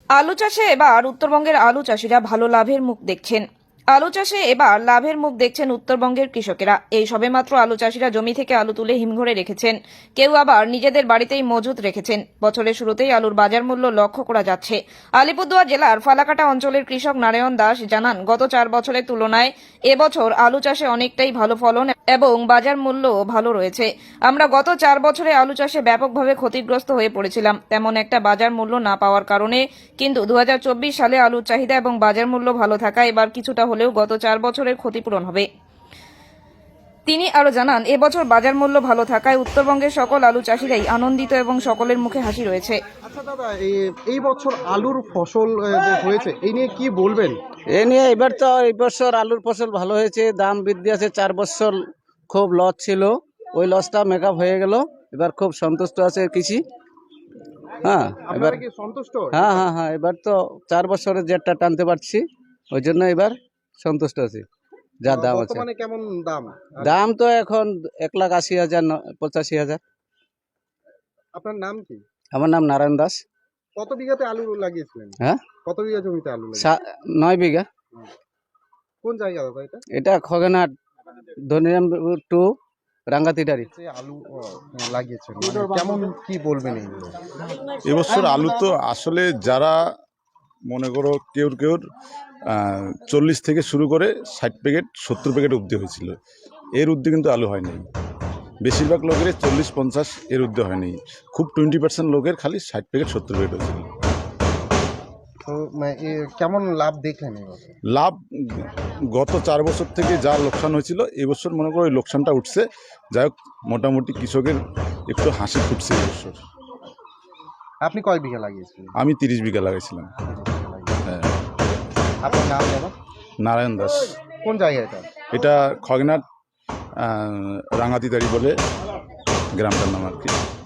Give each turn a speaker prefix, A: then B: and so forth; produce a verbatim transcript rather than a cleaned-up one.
A: আলু চাষে এবার উত্তরবঙ্গের আলু চাষিরা ভালো লাভের মুখ দেখছেন। আলু চাষে এবার লাভের মুখ দেখছেন উত্তরবঙ্গের কৃষকেরা। এই সবেমাত্র আলু চাষিরা জমি থেকে আলু তুলে হিমঘরে রেখেছেন, কেউ আবার নিজেদের বাড়িতেই মজুত রেখেছেন। বছরের শুরুতেই আলুর বাজার মূল্য লক্ষ্য করা যাচ্ছে। আলিপুরদুয়ার জেলার ফালাকাটা অঞ্চলের কৃষক নারায়ণ দাস জানান, গত চার বছরের তুলনায় এবছর আলু চাষে অনেকটাই ভালো ফলন এবং বাজার মূল্য ভালো রয়েছে। আমরা গত চার বছরে আলু চাষে ব্যাপকভাবে ক্ষতিগ্রস্ত হয়ে পড়েছিলাম, তেমন একটা বাজার মূল্য না পাওয়ার কারণে। কিন্তু দু হাজার চব্বিশ সালে আলুর চাহিদা এবং বাজার মূল্য ভালো থাকা এবার কিছুটা হলেও গত চার বছরের ক্ষতিপূরণ হবে। তিনি আরো জানান, এবছর বাজার মূল্য ভালো থাকায় উত্তরবঙ্গের সকল আলু চাষিরাই আনন্দিত এবং সকলের মুখে হাসি রয়েছে।
B: আচ্ছা দাদা, এই এই বছর আলুর ফসল আহ, যে হয়েছে এই নিয়ে কি বলবেন?
C: এ নিয়ে এবার তো এই বছর আলুর ফসল ভালো হয়েছে, দাম বৃদ্ধি আছে। চার বছর খুব লস ছিল, ওই লসটা মেকআপ হয়ে গেল। এবার খুব সন্তুষ্ট আছে কৃষি। হ্যাঁ এবার
B: আপনারা কি সন্তুষ্ট?
C: হ্যাঁ হ্যাঁ হ্যাঁ এবার তো চার বছরের জেটটা টানতে পারছি, ওই জন্য এবার সন্তুষ্ট আছি। যা দাম আছে,
B: বর্তমানে কেমন দাম?
C: দাম তো এখন এক লাখ আশি হাজার ন- পঁচাশি হাজার।
B: আপনার নাম কি?
C: আমার নাম নারায়ণ দাস।
B: কত বিঘাতে আলু লাগিয়েছিলেন?
C: হ্যাঁ
B: কত বিঘা জমিতে আলু লাগিয়েছিলেন?
C: সা- নয় বিঘা।
B: কোন জায়গা দাদা এটা?
C: এটা খগেনহাট ধনিরাম টু রাঙ্গাতিটারি।
B: যে আলু আহ, লাগিয়েছেন, মানে কেমন কি বলবেন এইগুলো?
D: এবছর আলু তো আসলে যারা মনে করো কেউ কেউ চল্লিশ থেকে শুরু করে ষাট প্যাকেট সত্তর প্যাকেট অবধি হয়েছিল, এর ঊর্ধ্বে কিন্তু আলু হয়নি। বেশিরভাগ লোকের চল্লিশ পঞ্চাশ এর ঊর্ধ্বে হয়নি, খুব টোয়েন্টি পার্সেন্ট লোকের খালি ষাট প্যাকেট সত্তর প্যাকেট হয়েছিল।
B: তো মানে, এ কেমন লাভ দেখলেন এই বছর?
D: লাভ গত চার বছর থেকে যা লোকসান হয়েছিল এবছর মনে করো ওই লোকসানটা উঠছে। যাই হোক, মোটামুটি কৃষকের একটু হাসি ফুটছে এবছর।
B: আপনি কয় বিঘা লাগিয়েছিলেন?
D: আমি তিরিশ বিঘা লাগাইছিলাম। হ্যাঁ,
B: আপনার নাম দাদা?
D: নারায়ণ দাস।
B: কোন জায়গা এটা?
D: এটা খগেনহাট রাঙাতিদারি বলে গ্রামটার নাম আর কি।